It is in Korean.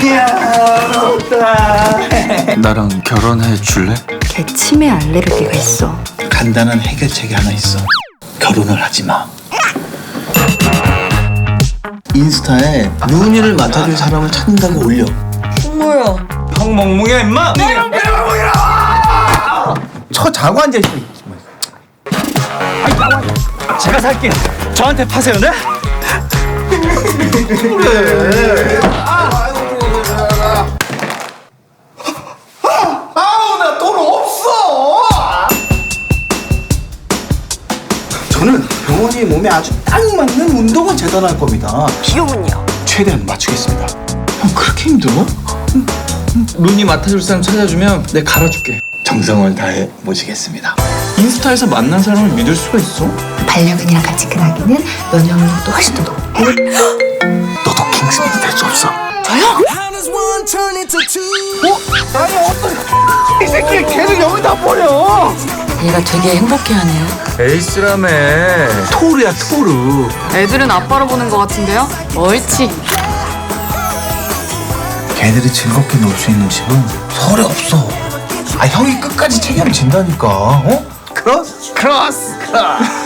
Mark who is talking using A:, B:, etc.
A: 나랑 결혼해 줄래?
B: 걔 치매 알레르기가 있어.
C: 간단한 해결책이 하나 있어. 결혼을 하지 마. 인스타에 루니를 맡아줄 사람을 찾는다고 올려.
B: 뭐야?
A: 형 멍멍이야 임마!
C: 저 자고 앉아 있어.
A: 제가 살게요. 저한테 파세요, 네?
C: 아우 나 돈 없어. 저는 병원이 몸에 아주 딱 맞는 운동을 재단할 겁니다.
B: 비용은요?
C: 최대한 맞추겠습니다. 형 그렇게 힘들어?
A: 루니 맡아줄 사람 찾아주면 내가 갈아줄게.
C: 정성을 다해 모시겠습니다.
A: 인스타에서 만난 사람을 믿을 수가 있어?
B: 반려견이랑 같이 근하기는 면역력도 훨씬 더 높고.
C: 너도 킹스맨이 될 수 없어. 이 새끼 걔를 여기다 버려.
B: 얘가 되게 행복해하네요.
A: 에이스라며.
C: 토르야 토르.
D: 애들은 아빠로 보는 것 같은데요? 옳지.
C: 걔들이 즐겁게 놀 수 있는 집은 서울에 없어. 아 형이 끝까지 책임진다니까. 어? 크로스.